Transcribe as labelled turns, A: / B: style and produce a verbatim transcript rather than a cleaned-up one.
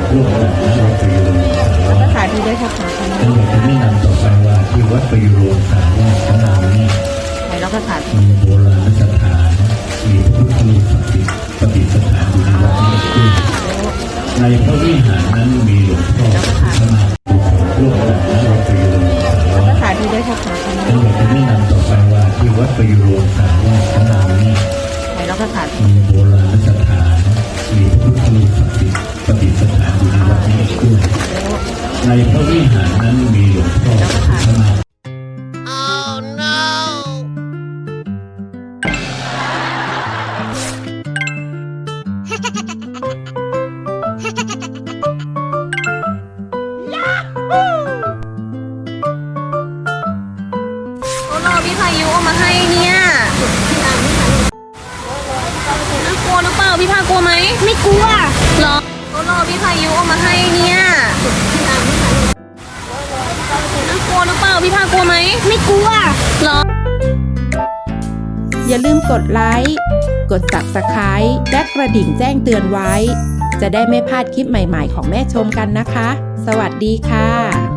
A: ร่วมกันนะวัดประยุรสารวัตร
B: สถานที่ได้ค่ะ
A: ทั้งหมดจะแนะนำต่อไปว่าที่วัดประยุรสารวัตรของเรานี่
B: ไหนเราก็ถาม
A: มีโบราณสถานมีพระพุทธรูปศักดิ์สิทธิ์ประดิษฐานอยู่ในวัดนี้ด้วยในพระวิหารนั้นมีหลวงพ่อพระนาร่วมกันนะวัดประยุรสารวัตร
B: สถานที่ได้ค่ะ
A: ทั้งหมดจะแนะนำต่อไปว่าที่วัดประยุรสารวัตรของเรานี่
B: ไหนเราก็ถาม
A: มีโบราณสถานมีพระพุทธรูปศักดิ์สิทธิ์ประดิษฐานอยู่ในวัดนี้ด้วยในพระวิหารนั้นมีหลวงพ่อพระนา
B: โอ้โหพี่พายุเอามาให้เนี่ยน่ากลัวหรือเปล่าพี่พากลัวไหมไม่กลัวหรอโอ้โหพี่พายุเอามาให้เนี่ยน่ากลัวหรือเปล่าพี่พากลัวไหมไม่กลัวหรอ
C: อย่าลืมกดไลค์ กด ซับสไครบ์ และกระดิ่งแจ้งเตือนไว้ จะได้ไม่พลาดคลิปใหม่ๆของแม่ชมกันนะคะ สวัสดีค่ะ